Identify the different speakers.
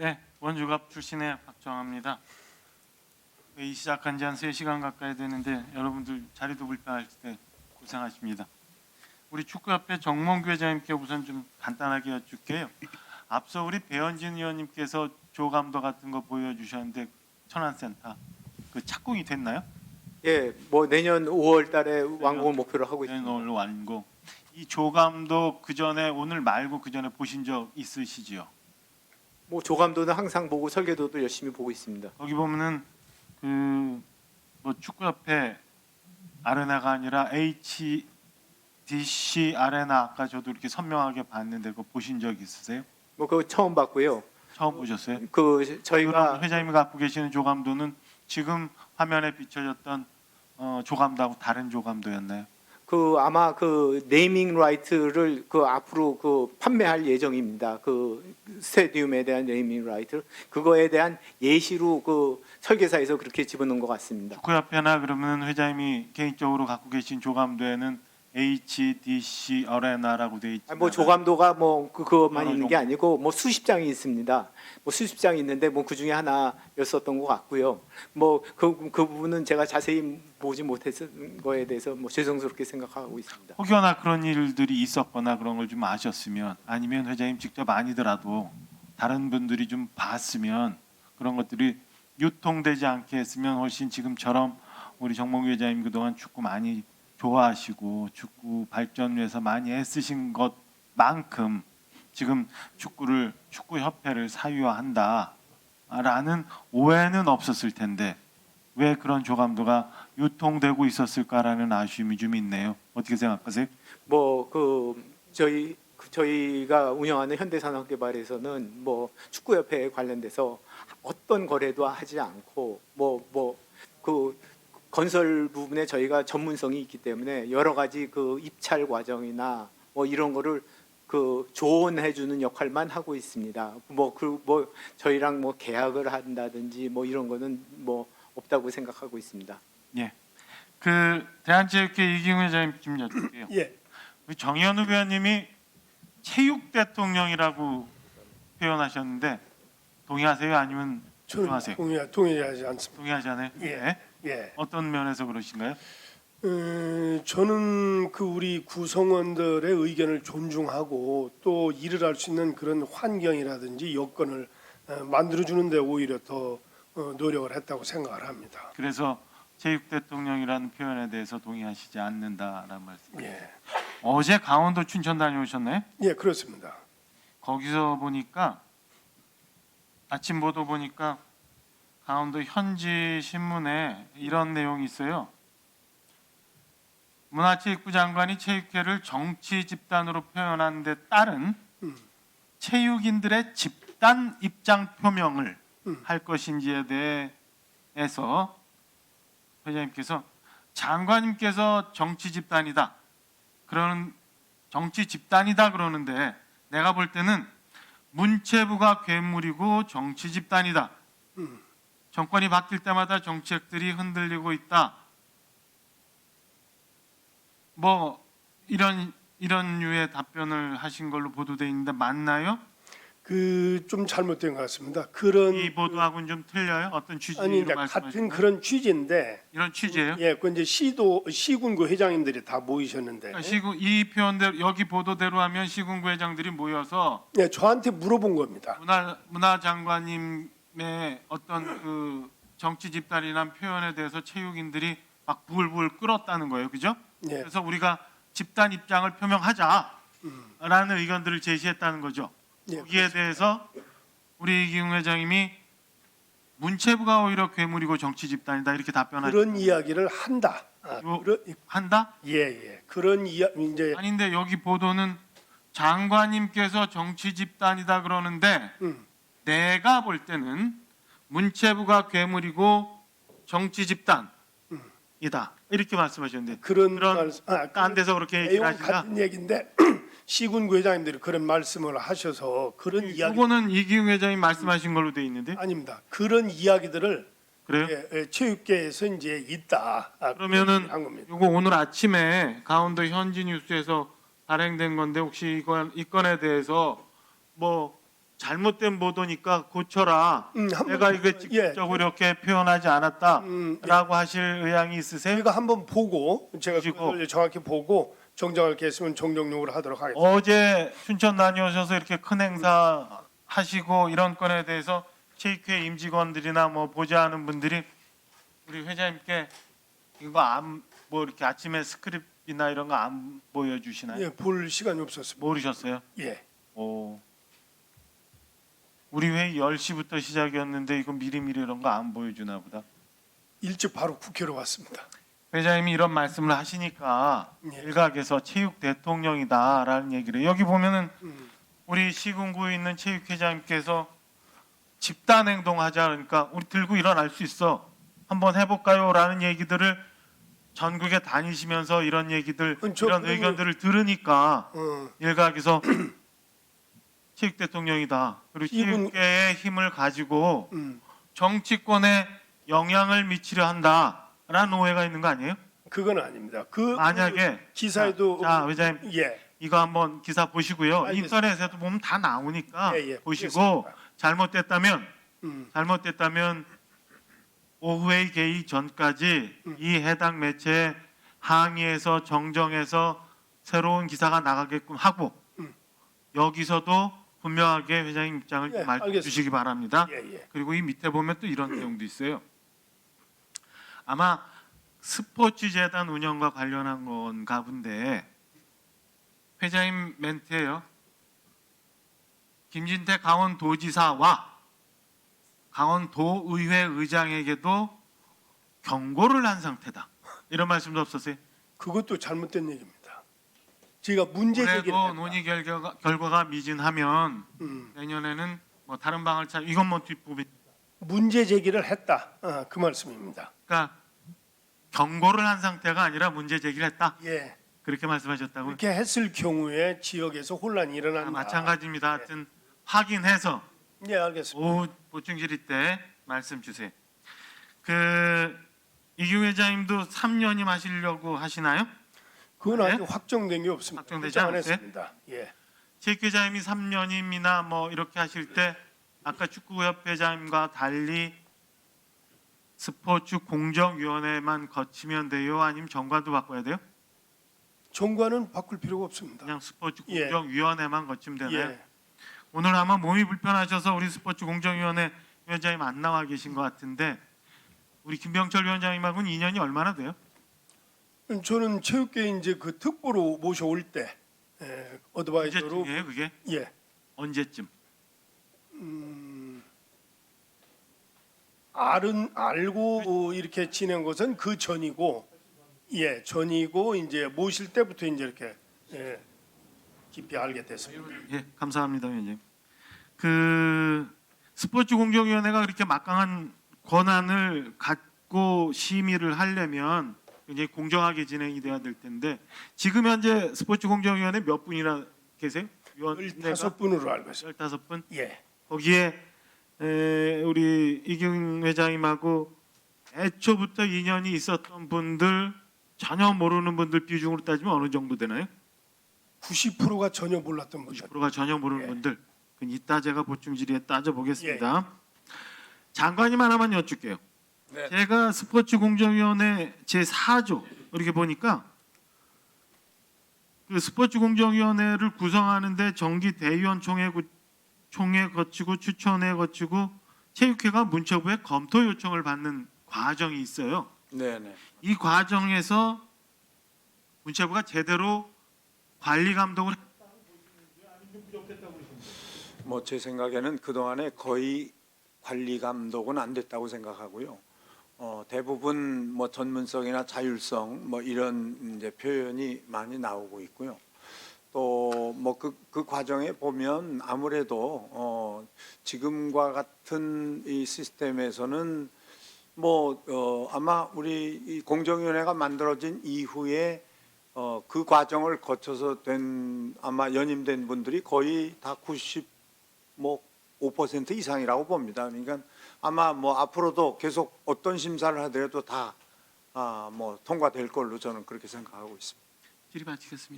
Speaker 1: 네, 원주갑 출신의 박정합니다. 회의 시작한 지 한 3시간 가까이 되는데 여러분들 자리도 불편할 때 고생하십니다. 우리 축구협회 정몽규 회장님께 우선 좀 간단하게 여쭙게요. 앞서 우리 배현진 의원님께서 조감도 같은 거 보여주셨는데 천안센터 그 착공이 됐나요?
Speaker 2: 예, 뭐 내년 5월 달에 완공을 목표로 하고 있습니다.
Speaker 1: 오늘 완공. 이 조감도 그 전에 오늘 말고 그 전에 보신 적 있으시지요?
Speaker 2: 뭐 조감도는 항상 보고 설계도도 열심히 보고 있습니다.
Speaker 1: 거기 보면은 그 뭐 축구협회 아레나가 아니라 HDC 아레나 아까 저도 이렇게 선명하게 봤는데 그거 보신 적 있으세요?
Speaker 2: 뭐 그거 처음 봤고요.
Speaker 1: 처음 보셨어요?
Speaker 2: 그 저희가
Speaker 1: 그럼 회장님이 갖고 계시는 조감도는 지금 화면에 비춰졌던 조감도하고 다른 조감도였나요?
Speaker 2: 그 아마 그 네이밍 라이트를 그 앞으로 그 판매할 예정입니다. 그 스테디움에 대한 네이밍 라이트 그거에 대한 예시로 그 설계사에서 그렇게 집어넣은 것 같습니다.
Speaker 1: 축구협회나 그러면 회장님이 개인적으로 갖고 계신 조감도에는 HDC 아레나라고 돼 있지.
Speaker 2: 뭐 조감도가 뭐 그것만
Speaker 1: 여러
Speaker 2: 있는 게 아니고 뭐 수십 장이 있습니다. 뭐 수십 장이 있는데 뭐 그 중에 하나였었던 것 같고요. 뭐 그 부분은 제가 자세히 보지 못했던 거에 대해서 뭐 죄송스럽게 생각하고 있습니다.
Speaker 1: 혹여나 그런 일들이 있었거나 그런 걸 좀 아셨으면 아니면 회장님 직접 아니더라도 다른 분들이 좀 봤으면 그런 것들이 유통되지 않게 했으면 훨씬 지금처럼 우리 정몽규 회장님 그동안 축구 많이 좋아하시고 축구 발전 위해서 많이 애쓰신 것만큼 지금 축구협회를 사유화한다라는 오해는 없었을 텐데 왜 그런 조감도가 유통되고 있었을까라는 아쉬움이 좀 있네요. 어떻게 생각하세요?
Speaker 2: 뭐 그 저희가 운영하는 현대산업개발에서는 뭐 축구협회에 관련돼서 어떤 거래도 하지 않고 뭐 그 건설 부분에 저희가 전문성이 있기 때문에 여러 가지 그 입찰 과정이나 뭐 이런 거를 그 조언해 주는 역할만 하고 있습니다. 뭐 저희랑 뭐 계약을 한다든지 뭐 이런 거는 뭐 없다고 생각하고 있습니다.
Speaker 1: 예. 그 대한체육회 이기웅 회장님 좀 여쭐게요.
Speaker 3: 예,
Speaker 1: 우리 정현우 의원님이 체육 대통령이라고 표현하셨는데 동의하세요? 아니면
Speaker 3: 저는
Speaker 1: 부정하세요?
Speaker 3: 동의하지 않습니다.
Speaker 1: 동의하지 않아요?
Speaker 3: 예.
Speaker 1: 네.
Speaker 3: 예,
Speaker 1: 어떤 면에서 그러신가요?
Speaker 3: 저는 그 우리 구성원들의 의견을 존중하고 또 일을 할 수 있는 그런 환경이라든지 여건을 만들어주는데 오히려 더 노력을 했다고 생각을 합니다.
Speaker 1: 그래서 체육 대통령이라는 표현에 대해서 동의하시지 않는다라는 말씀이에요.
Speaker 3: 예,
Speaker 1: 어제 강원도 춘천 다녀오셨나요?
Speaker 3: 예, 그렇습니다.
Speaker 1: 거기서 보니까 아침 보도 보니까 강원도 현지 신문에 이런 내용이 있어요. 문화체육부 장관이 체육회를 정치 집단으로 표현한 데 따른 체육인들의 집단 입장 표명을 할 것인지에 대해서 회장님께서 장관님께서 정치 집단이다 그러는데 내가 볼 때는 문체부가 괴물이고 정치 집단이다. 정권이 바뀔 때마다 정책들이 흔들리고 있다. 뭐 이런 류의 답변을 하신 걸로 보도돼 있는데 맞나요?
Speaker 3: 그 좀 잘못된 것 같습니다. 그런
Speaker 1: 이 보도하고는 좀 틀려요? 어떤 취지로
Speaker 3: 아니 이제
Speaker 1: 말씀하시는
Speaker 3: 같은
Speaker 1: 거예요?
Speaker 3: 그런 취지인데
Speaker 1: 이런 취지예요?
Speaker 3: 예, 그 이제 시군구 회장님들이 다 모이셨는데
Speaker 1: 그러니까 이 표현대로 여기 보도대로 하면 시군구 회장들이 모여서
Speaker 3: 예, 저한테 물어본 겁니다.
Speaker 1: 문화 장관님의 어떤 그 정치 집단이란 표현에 대해서 체육인들이 막 부글부글 끓었다는 거예요, 그죠?
Speaker 3: 예,
Speaker 1: 그래서 우리가 집단 입장을 표명하자라는 의견들을 제시했다는 거죠.
Speaker 3: 예,
Speaker 1: 거기에 대해서 우리 이기웅 회장님이 문체부가 오히려 괴물이고 정치 집단이다 이렇게 답변하죠.
Speaker 3: 그런 이야기를 한다.
Speaker 1: 한다?
Speaker 3: 예. 그런 이제
Speaker 1: 아닌데 여기 보도는 장관님께서 정치 집단이다 그러는데 내가 볼 때는 문체부가 괴물이고 정치 집단이다 이렇게 말씀하셨는데
Speaker 3: 그런
Speaker 1: 딴 데서 그렇게 얘기를
Speaker 3: 내용
Speaker 1: 하시나?
Speaker 3: 같은 얘기인데 시군구 회장님들이 그런 말씀을 하셔서 그런 이야기
Speaker 1: 이거는 이기웅 회장님 말씀하신 걸로 돼 있는데
Speaker 3: 아닙니다. 그런 이야기들을
Speaker 1: 그래요?
Speaker 3: 체육계에서 이제 있다.
Speaker 1: 그러면은
Speaker 3: 한 겁니다.
Speaker 1: 이거 오늘 아침에 강원도 현지 뉴스에서 발행된 건데 혹시 이 건에 대해서 뭐 잘못된 보도니까 고쳐라.
Speaker 3: 한번
Speaker 1: 내가 이거
Speaker 3: 예.
Speaker 1: 직접적으로 이렇게 표현하지 않았다라고 하실 의향이 있으세요?
Speaker 3: 저희가 한번 보고 제가
Speaker 1: 보시고.
Speaker 3: 그걸 정확히 보고 정정할 게 있으면 정정용으로 하도록 하겠습니다.
Speaker 1: 어제 춘천 다녀오셔서 이렇게 큰 행사 하시고 이런 건에 대해서 체육회 임직원들이나 뭐 보좌하는 분들이 우리 회장님께 이거 뭐 이렇게 아침에 스크립이나 이런 거 안 보여주시나요?
Speaker 3: 예, 볼 시간이 없었습니다.
Speaker 1: 모르셨어요?
Speaker 3: 예.
Speaker 1: 오. 우리 회의 10시부터 시작이었는데 이거 미리미리 이런 거 안 보여주나 보다.
Speaker 3: 일찍 바로 국회로 왔습니다.
Speaker 1: 회장님이 이런 말씀을 하시니까
Speaker 3: 예.
Speaker 1: 일각에서 체육 대통령이다라는 얘기를 해요. 여기 보면은
Speaker 3: 음,
Speaker 1: 우리 시군구에 있는 체육회장님께서 집단 행동하자 그러니까 우리 들고 일어날 수 있어. 한번 해볼까요?라는 얘기들을 전국에 다니시면서 이런 얘기들
Speaker 3: 저
Speaker 1: 이런
Speaker 3: 그러면-
Speaker 1: 의견들을 들으니까 일각에서 체육 대통령이다. 그리고
Speaker 3: 이분-
Speaker 1: 체육계의 힘을 가지고
Speaker 3: 음,
Speaker 1: 정치권에 영향을 미치려 한다라는 오해가 있는 거 아니에요?
Speaker 3: 그건 아닙니다.
Speaker 1: 만약에
Speaker 3: 기사에도
Speaker 1: 자 회장님
Speaker 3: 예,
Speaker 1: 이거 한번 기사 보시고요.
Speaker 3: 알겠습니다.
Speaker 1: 인터넷에도 보면 다 나오니까
Speaker 3: 예, 예,
Speaker 1: 보시고
Speaker 3: 보겠습니다.
Speaker 1: 잘못됐다면 오후에 개의 전까지 이 해당 매체에 항의해서 정정해서 새로운 기사가 나가게끔 하고 여기서도 분명하게 회장님 입장을
Speaker 3: 예,
Speaker 1: 말씀해
Speaker 3: 알겠습니다.
Speaker 1: 주시기 바랍니다.
Speaker 3: 예, 예.
Speaker 1: 그리고 이 밑에 보면 또 이런 내용도 있어요. 아마 스포츠 재단 운영과 관련한 건가 본데 회장님 멘트예요. 김진태 강원도지사와 강원도의회 의장에게도 경고를 한 상태다. 이런 말씀도 없었어요.
Speaker 3: 그것도 잘못된 얘기입니다. 제가 문제 제기를
Speaker 1: 올해도
Speaker 3: 했다.
Speaker 1: 논의 결과가 미진하면
Speaker 3: 음,
Speaker 1: 내년에는 뭐 다른 방을 찾. 이건 뭐 뒷부분.
Speaker 3: 문제 제기를 했다. 그 말씀입니다.
Speaker 1: 그러니까 경고를 한 상태가 아니라 문제 제기를 했다.
Speaker 3: 예,
Speaker 1: 그렇게 말씀하셨다고요?
Speaker 3: 그렇게 했을 경우에 지역에서 혼란이 일어난다.
Speaker 1: 마찬가지입니다. 하여튼 확인해서
Speaker 3: 예, 알겠습니다.
Speaker 1: 오후 보충 질의 때 말씀 주세요. 이규 회장님도 3년임 하시려고 하시나요?
Speaker 3: 그건
Speaker 1: 네?
Speaker 3: 아직 확정된 게 없습니다.
Speaker 1: 확정되지
Speaker 3: 결정 안
Speaker 1: 않았어요?
Speaker 3: 했습니다. 예.
Speaker 1: 체육 회장님이 3년임이나 뭐 이렇게 하실 때 아까 축구협 회장님과 달리 스포츠 공정위원회만 거치면 돼요? 아니면 정관도 바꿔야 돼요?
Speaker 3: 정관은 바꿀 필요가 없습니다.
Speaker 1: 그냥 스포츠
Speaker 3: 예.
Speaker 1: 공정위원회만 거치면 되나요?
Speaker 3: 예.
Speaker 1: 오늘 아마 몸이 불편하셔서 우리 스포츠 공정위원회 위원장님 안 나와 계신 것 같은데 우리 김병철 위원장님하고는 인연이 얼마나 돼요?
Speaker 3: 저는 체육계 이제 그 특보로 모셔올 때 어드바이저로
Speaker 1: 언제쯤이에요 그게?
Speaker 3: 예.
Speaker 1: 언제쯤?
Speaker 3: 알고 이렇게 지낸 것은 그 전이고 예, 전이고 이제 모실 때부터 이제 이렇게 깊이 알게 됐습니다.
Speaker 1: 예, 감사합니다, 위원장님. 스포츠 공정위원회가 그렇게 막강한 권한을 갖고 심의를 하려면 굉장히 공정하게 진행이 돼야 될 텐데 지금 현재 스포츠 공정위원회 몇 분이나 계세요? 위원회가
Speaker 3: 15분으로 알고 있습니다.
Speaker 1: 15분?
Speaker 3: 예.
Speaker 1: 거기에 우리 이경 회장님하고 애초부터 인연이 있었던 분들 전혀 모르는 분들 비중으로 따지면 어느 정도 되나요?
Speaker 3: 90%가 전혀 몰랐던 분들.
Speaker 1: 90%가 전혀 모르는
Speaker 3: 예.
Speaker 1: 분들. 그건 이따 제가 보충 질의에 따져보겠습니다. 장관님 하나만 여쭙게요.
Speaker 2: 네.
Speaker 1: 제가 스포츠 공정위원회 제4조 이렇게 보니까 그 스포츠 공정위원회를 구성하는데 정기 대의원 총회 거치고 추천회 거치고 체육회가 문체부에 검토 요청을 받는 과정이 있어요.
Speaker 2: 네네.
Speaker 1: 이 과정에서 문체부가 제대로 관리 감독을
Speaker 4: 뭐 제 생각에는 그 동안에 거의 관리 감독은 안 됐다고 생각하고요. 대부분 뭐 전문성이나 자율성 뭐 이런 이제 표현이 많이 나오고 있고요. 또 뭐 그 과정에 보면 아무래도 지금과 같은 이 시스템에서는 뭐 아마 우리 이 공정위원회가 만들어진 이후에 그 과정을 거쳐서 된 아마 연임된 분들이 거의 다 5% 이상이라고 봅니다. 그러니까 아마 뭐 앞으로도 계속 어떤 심사를 하더라도 다 뭐 통과될 걸로 저는 그렇게 생각하고 있습니다.
Speaker 1: 질의 마치겠습니다.